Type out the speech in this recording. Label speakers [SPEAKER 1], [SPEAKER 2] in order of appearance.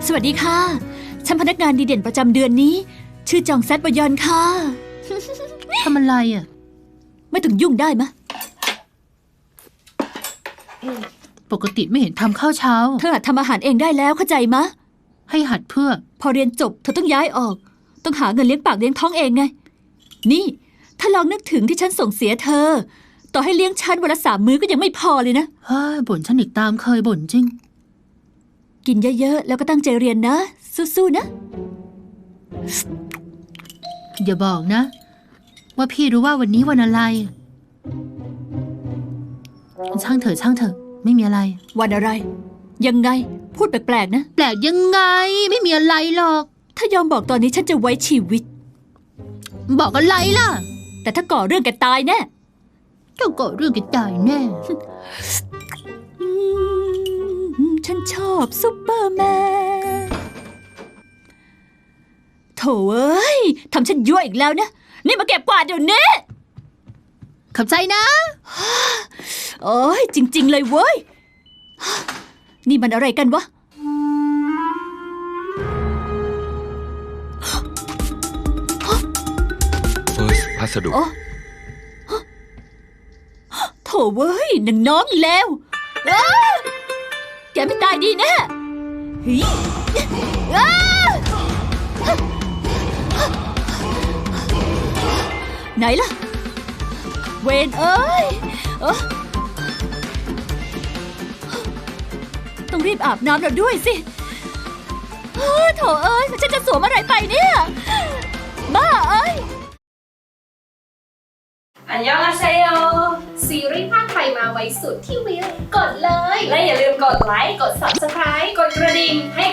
[SPEAKER 1] สวัสดีค่ะ ฉันพนักงานดีเด่นประจำเดือนนี้ ชื่อจองแซดบยอนค่ะ
[SPEAKER 2] ทำอะไรอ่ะ
[SPEAKER 1] ไม่ต้องยุ่งได้มะ
[SPEAKER 2] ปกติไม่เห็นทำข้าวเช้า
[SPEAKER 1] เธอหัดทำอาหารเองได้แล้วเข้าใจมะ
[SPEAKER 2] ให้หัดเพื่อ
[SPEAKER 1] พอเรียนจบเธอต้องย้ายออก ต้องหาเงินเลี้ยงปากเลี้ยงท้องเองไง นี่ถ้าลองนึกถึงที่ฉันส่งเสียเธอ ต่อให้เลี้ยงฉันวันละ3 มื้อก็ยังไม่พอเลยนะ
[SPEAKER 2] เฮ้ยบ่นฉันอีกตามเคยบ่นจริง
[SPEAKER 1] กินเยอะๆแล้วก็ตั้งใจเรียนนะ สู้ๆนะ
[SPEAKER 2] อย่าบอกนะ ว่าพี่รู้ว่าวันนี้วันอะไร ช่างเถอะช่างเถอะไม่มีอะไร
[SPEAKER 1] วันอะไร ยังไงพูดแปลกๆนะ
[SPEAKER 2] แปลกยังไงไม่มีอะไรหรอก
[SPEAKER 1] ถ้ายอมบอกตอนนี้ฉันจะไว้ชีวิต
[SPEAKER 2] บอกอะไรล่ะ
[SPEAKER 1] แต่ถ้าก่อเรื่องแกตายแน่
[SPEAKER 2] เจ้าก็เรื่องกันตายแน่
[SPEAKER 1] ฉันชอบซุปเปอร์แมนโถเอ้ยทำฉันยั่วอีกแล้วนะ นี่มาเก็บกวาดเดี๋ยวนี้
[SPEAKER 2] ขอบใจนะ
[SPEAKER 1] โอ้ยจริง ๆ เลยเว้ย นี่มันอะไรกันวะ
[SPEAKER 3] เฟิร์สพัสดุ
[SPEAKER 1] โอ้โถเว้ยนางน้องเลวอ้าแกไม่ตายดีแน่เฮ้ยอ้าไหนล่ะ เวนเอ้ยต้องรีบอาบน้ำเราด้วยสิโถเอ้ยฉันจะสวมอะไรไปเนี่ย บ้าเอ้ย
[SPEAKER 4] อันยองอาเซโย
[SPEAKER 5] ซีรีส์ภาคไทยมาไว้สุดที่วิวกดเลย
[SPEAKER 4] และอย่าลืมกดไลค์ กด Subscribe กดกระดิ่งให้